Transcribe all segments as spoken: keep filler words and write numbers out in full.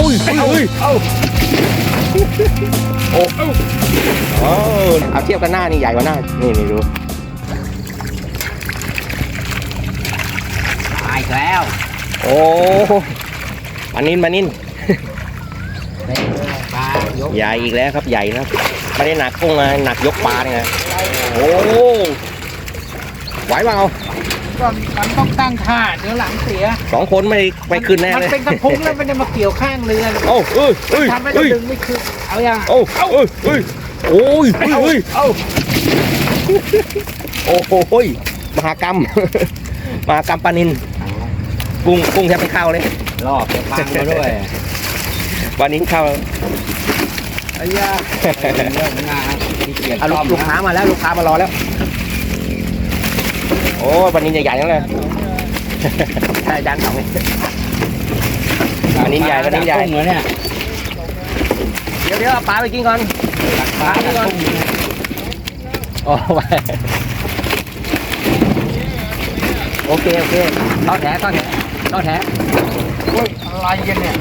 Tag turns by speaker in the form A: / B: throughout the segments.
A: อ้ยเฮ้ยโอ้โอ้เอาเทียบกันหน้านี่ใหญ่กว่าหน้านี่นี่ดู
B: ตายแล้ว
A: โอ้ปานินปานินใหญ่อีกแล้วครับใหญ่นะไม่ได้หนักกุ้งนะหนักยกปลาเนี่ยโอ้ไหวเปล่า
B: ก็มันต้องตั้งท่าเดี๋ยวหลังเสีย
A: สองคนไม่ไม่ขึ้นแน่เลย
B: มันเป็นกระพุ้งแล้วมันจะมาเกี่ยวข้างเรือ
A: โอ้เอ้ยเอ้ย
B: ทำให้ดึงไม่ขึ้นเอาอย่าง
A: โอ้เอ้ยเอ้ยโอ้ยเอ้ยโอ้โอ้โหมหากรรมมหากรรมปลานินกุ้งกุ้งแทบไม่เข้าเลย
B: รอบจะพังมาด้วย
A: ปลานินเข้า
B: ไอ้ยาเรื่องงานที่เกียรติ
A: ลูกค้ามาแล้วลูกค้ามารอแล้วโอ้ปลานินใหญ่ๆนั่นเลยใช่จานสองนี่ปลานินใหญ่ปลานินใหญ่
B: เหมือนเนี่ย
A: เดี๋ยวเดี๋ยวเอาปลาไปกินก่อน
B: ปลาไปก่อน
A: โอ้ไปโอเคโอเคทอดแถทอดแถทอดแถ
B: โอ้ยอะไรกันเนี่ย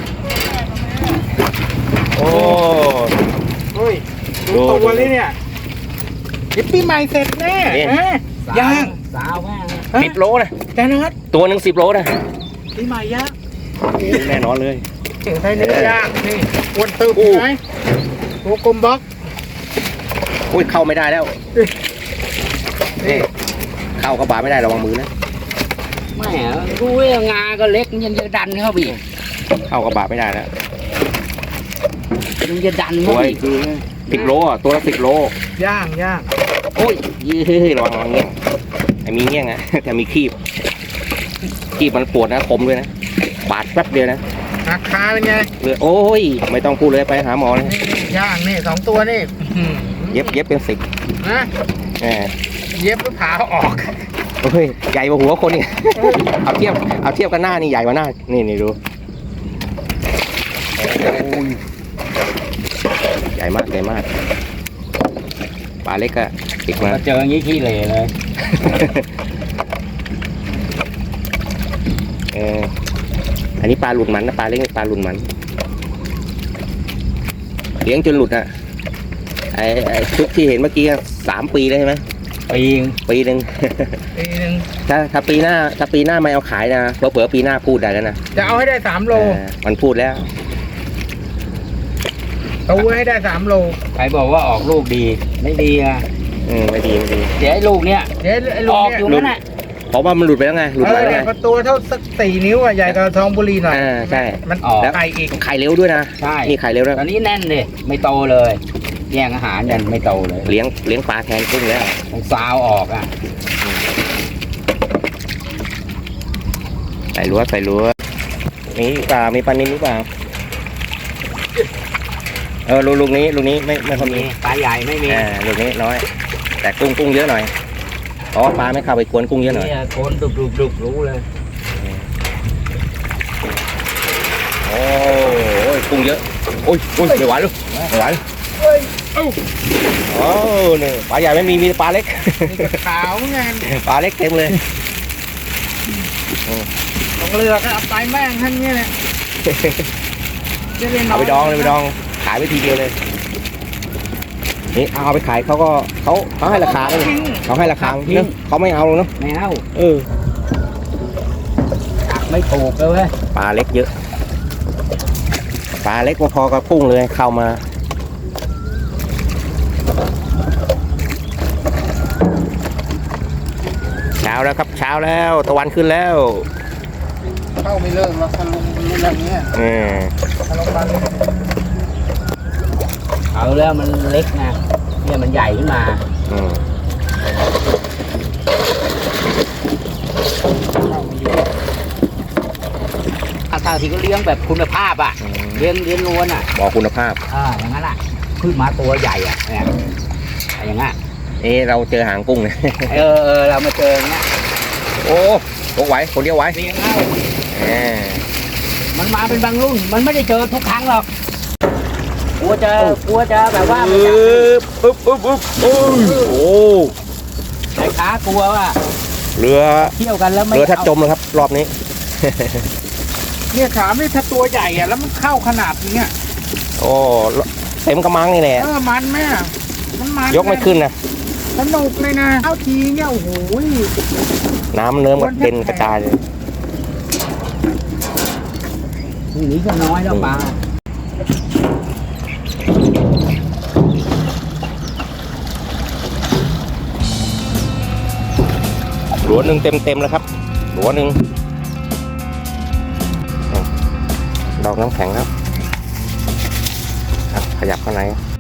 A: โอ้
B: โอ้ยดูตัวนี้เนี่ยเดี๋ยวปีใหม่เสร็จแน่ย่างสาวแม่
A: สิบโลนะ
B: แน่นอน
A: ตัวหนึ่งสิบโลนะ
B: ปีใหม่ย่าง
A: แน่นอนเลย
B: เก่งไทยเนื้อย่างนี่วนตึกไหมตัวกลมบล็อก
A: อุ้ยเข้าไม่ได้แล้วนี่เข้ากระบะไม่ได้ระวังมือนะ
B: ไม่รู้ว่างาก็เล็กยังจะดันเข้าไป
A: เข้ากระบะไม่ได้แล้ว
B: ยังจะดันเข้าไป
A: สิบโลอ่ะตัวละสิบโล
B: ย่างย่าง
A: โอ้ยยืดระวังระวังเงี้ยไอ้มีเงี้ยนะแต่มีคีบคีบมันปวดนะคมด้วยนะบาดแป๊บเดียวนะ
B: ราคาเป็นไง
A: เลยโอ้ยไม่ต้องพูดเลยไปหาหมอเลย
B: ย่างนี่สองตัวนี่
A: เย็บเย็บเป็นสิบ
B: นะเย็บแล้วผ่าออก
A: โอ้ยใหญ่กว่าหัวคนนี่เอาเทียบเอาเทียบกันหน้านี่ใหญ่กว่าหน้านี่นี่ดูใหญ่มากใหญ่มากปลาเล็กอะติดมา
B: เจออย่างนี้ขี้เหร่เลย
A: เอออันนี้ปลาหลุดมันนะปลาเล็กปลาหลุดมันเลี้ยงจนหลุดอะไอ้ไอ้ชุดที่เห็นเมื่อกี้สามปีเลยใช่ไหม
B: ปี
A: ปีหนึ่ง
B: ปีหนึ่ง
A: ถ้าถ้าปีหน้าถ้าปีหน้าไม่เอาขายนะเผื่อปีหน้าพูดได้แล้วนะ
B: จะเอาให้ได้สามโล
A: มันพูดแล้ว
B: เอาให้ได้สามโลใครบอกว่าออกลูกดีไม่ดีอ่ะ
A: อืมไม่ดีไม่ดี
B: เดี๋ยวไอ้ลูกเนี้ยเดี๋ยวไอ้ลูกออกอยู่นั่นแหละ
A: เพราะว่ามันหลุดไปแล้วไงหลุดไปแล้วไง
B: ตัวเท่าสักสี่นิ้วอ่ะใหญ่กว่าทองบุรีหน่อย
A: อ่าใช่
B: มันออกไข่อีก
A: ไข่เร็วด้วยนะ
B: ใช่
A: นี่ไข่เร็วแล้ว
B: ตอนนี้แน่นเลยไม่โตเลยแย่งอาหารยันไม่โตเลย
A: เลี้ยงเลี้ยงปลาแทนกุ้งแล้ว
B: ต้องซาวออกอ่ะ
A: ใส่รั้วใส่รั้วนี่ปลามีปลานิ่มหรือเปล่าเออลูกนี้ลูกนี้ไม่ไม่พอมี
B: ปลาใหญ่ไม่มี
A: อ่าลูกนี้น้อยแต่กุ้งกุ้งเยอะหน่อยเพราะปลาไม่เข้าไปกวนกุ้งเยอะหน่อย
B: โคนดุกดุกดุกรู้เลย
A: โอ้ยกุ้งเยอะโอ้ยโอ้ยไม่ไหวลูกไม่ไหวโอ้เนี่ยปลาใหญ่ไม่มีมีปลาเล็ก
B: ขาวไง
A: ปลาเล็กเต็มเลย
B: ของเรือก็เอาไปแม่งท่านเนี่ย
A: เอาไปดองเลยไปดองขายไปทีเดียวเลยนี่เอาไปขายเขาก็เขาเขาให้ราคาเลยเขาให้ราคาเนอะเขาไม่เอาเนาะ
B: ไม่เอา
A: เออ
B: ไม่ถูกเลยเว้ย
A: ปลาเล็กเยอะปลาเล็กพอกับกุ้งเลยเข้ามาเช้าแล้วครับเช้าแล้วตะวันขึ้นแล้ว
B: เข้าไม่เลิกแล้วทะลุมันอะไรเงี้ย
A: เออ
B: ทะลุมันเอาแล้วมันเล็กนะเนี่ยมันใหญ่ขึ้นมา
A: อืม
B: อาตาที่ก็เลี้ยงแบบคุณภาพอ่ะเลี้ยงเลี้ยงล้วนอ่ะ
A: บอกคุณภาพ
B: อ่าอย่างนั้นอ่ะขึ้นมาตัวใหญ่อ่ะเนี่ยอย่างงั้น
A: เออเราเจอหางกุ้งเลย
B: เออเออเรามาเจอเงี้ย
A: โอ้ตกไหวคนเดียวไหว
B: เลี้ยงเอามันมาเป็นบางรุ่นมันไม่ได้เจอทุกครั้งหรอกกลัวจะกลัวจะแบบว่า
A: ปึ๊บปึ๊บปึ๊บปึ๊บโอ้โห
B: ไอ้ขากลัวว่า
A: เรือ
B: เที่ยวกันแล้วไม่
A: เรือทัดจมเลยครับรอบนี้
C: เนี่ยถามนี่ถ้าตัวใหญ่อะแล้วมันเข้าขนาดนี้อะ
A: โอ้เต็มกระมังนี่แหละ
C: เออมันไหมอะมันมัน
A: ยกไม่ขึ้นนะ
C: สนุกเลยนะเอาทีเนี่ยโอ้โห
A: น้ำเนิ้มกับเต็นกระจายเลย
B: ทีนี้ก็น้อยแล้วปลา
A: หลัวหนึ่งเต็มเต็มๆแล้วครับหลัวหนึ่งดอกน้ำแข็งครับครับขยับข้างใน